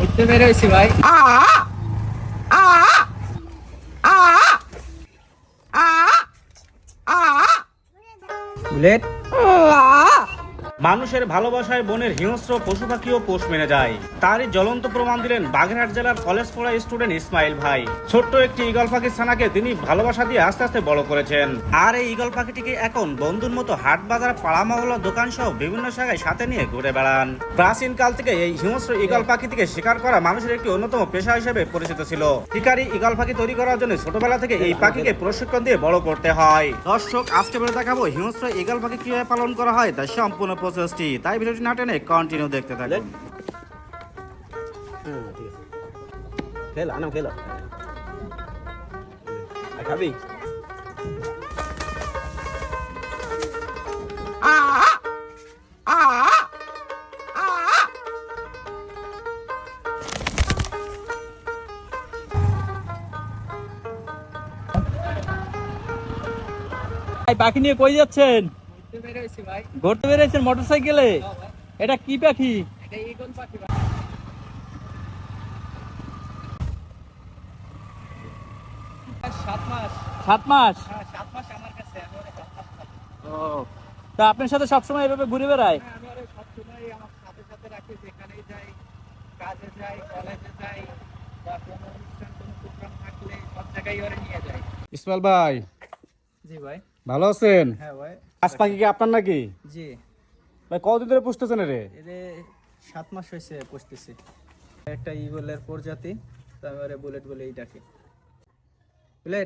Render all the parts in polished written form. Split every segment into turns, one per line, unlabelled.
ঘুরতে বের হয়েছি ভাই। বুলেট
মানুষের ভালোবাসায় বনের হিংস্র পশু পাখিও পোষ মেনে যায়। তারই জ্বলন্ত প্রমাণ দিলেন বাগেরহাট জেলার কলেজ পড়া স্টুডেন্ট ইসমাইল ভাই। ছোট্ট একটি ঈগল পাখির ছানাকে তিনি ভালোবাসা দিয়ে আস্তে আস্তে বড় করেছেন। আর এই ঈগল পাখিটিকে এখন বন্ধুর মতো হাট বাজার পাড়া মহল্লা দোকান সহ বিভিন্ন জায়গায় সাথে নিয়ে ঘুরে বেড়ান। প্রাচীন কাল থেকে এই হিংস্র ঈগল পাখিটিকে শিকার করা মানুষের একটি অন্যতম পেশা হিসেবে পরিচিত ছিল। শিকারী ঈগল পাখি তৈরি করার জন্য ছোটবেলা থেকে এই পাখিকে প্রশিক্ষণ দিয়ে বড় করতে হয়। দর্শক, আজকে বলে দেখাবো হিংস্র ঈগল পাখি কিভাবে পালন করা হয় তার সম্পূর্ণ প্রসেসটি। তাই ভিডিওটি না টেনে কন্টিনিউ দেখতে থাকুন।
খেলা না খেলা খাবি
পাখি নিয়ে কই যাচ্ছেন?
ঘুরতে বের হয়েছি ভাই।
ঘুরতে বেরিয়েছেন মোটরসাইকেলে?
হ্যাঁ ভাই,
এটা কি পাখি?
এটা ঈগল পাখি ভাই। 7 মাস।
7 মাস?
হ্যাঁ, 7 মাস আমার কাছে। আমি ওরে 7 মাস পালি।
ও, তা আপনার সাথে সবসময় এভাবে ঘুরে বেড়ায়?
হ্যাঁ, আমি ওরে সবসময় আমার সাথে সাথে রাখি, যেখানেই যাই, কাজে যাই, কলেজে যাই, বা কোনো অনুষ্ঠান কোনো প্রোগ্রাম থাকলে সব জায়গায় ওরে নিয়ে যাই।
ইসমাইল ভাই,
জি ভাই।
ভালো আছেন?
হ্যাঁ ভাই।
আজ পাখি কি আপনার নাকি?
জি,
ভাই কতদিন ধরে পুষতেছেন রে?
এরে 7 মাস হয়েছে পুষতেছি। একটা ঈগলের প্রজাতি, তো আমি ওরে বুলেট বলেই ডাকি। বুলেট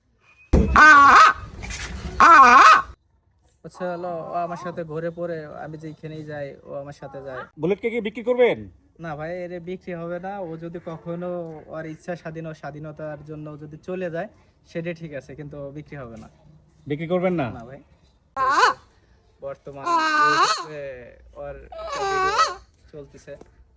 আচ্ছা, হলো ও আমার সাথে ঘুরে পড়ে, আমি যেখানেই যাই ও আমার সাথে যায়।
বুলেটকে কি বিক্রি করবেন?
না ভাই, এর বিক্রি হবে না। ও যদি কখনো ওর ইচ্ছা স্বাধীনতার জন্য যদি চলে যায় সেটা ঠিক আছে, কিন্তু ও বিক্রি হবে না।
বিক্রি করবেন না?
না ভাই, বর্তমান ইউটিউবে ওর একটা ভিডিও চলতেছে।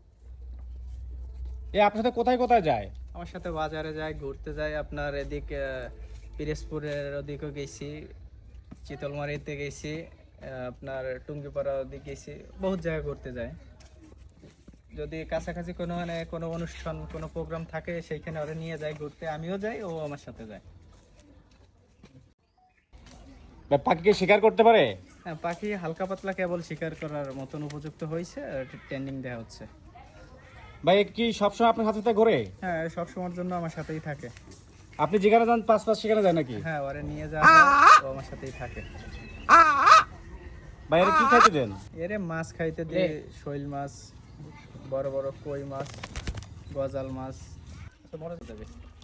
এ আপনার সাথে কোথায় কোথায় যায়?
আমার সাথে বাজারে যায়, ঘুরতে যায়। আপনার এদিক পিরোজপুরের ওদিকেও গেছি, চিতলমারিতে গেছি, আপনার টুঙ্গিপাড়া ওদিকে গেছি, বহুত জায়গায় ঘুরতে যায়। যদি কাছাকাছি কোনো অনুষ্ঠান কোনো প্রোগ্রাম থাকে সেইখানে ওরা নিয়ে যায় ঘুরতে, আমিও যাই, ও আমার সাথে যায়।
ভাই পাখিকে শিকার করতে পারে?
হ্যাঁ, পাখি হালকা পাতলা কেবল শিকার করার মতন উপযুক্ত হয়েছে, ট্রেনিং দেওয়া হচ্ছে।
ভাই এ কি সবসময় আপনার সাথে সাথে ঘোরে?
হ্যাঁ, সব সময়ের জন্য আমার সাথেই থাকে।
আপনি যেখানে যান পাঁচ পাঁচ সেখানে যায় নাকি?
হ্যাঁ, ওরে নিয়ে যাওয়া হয়, ও আমার সাথেই থাকে।
ভাই এর কি খাইতে দেন?
এরে মাছ খাইতে দিই, শৈল মাছ, বড় বড় কই মাছ, গজাল মাছ, মরে যাবে।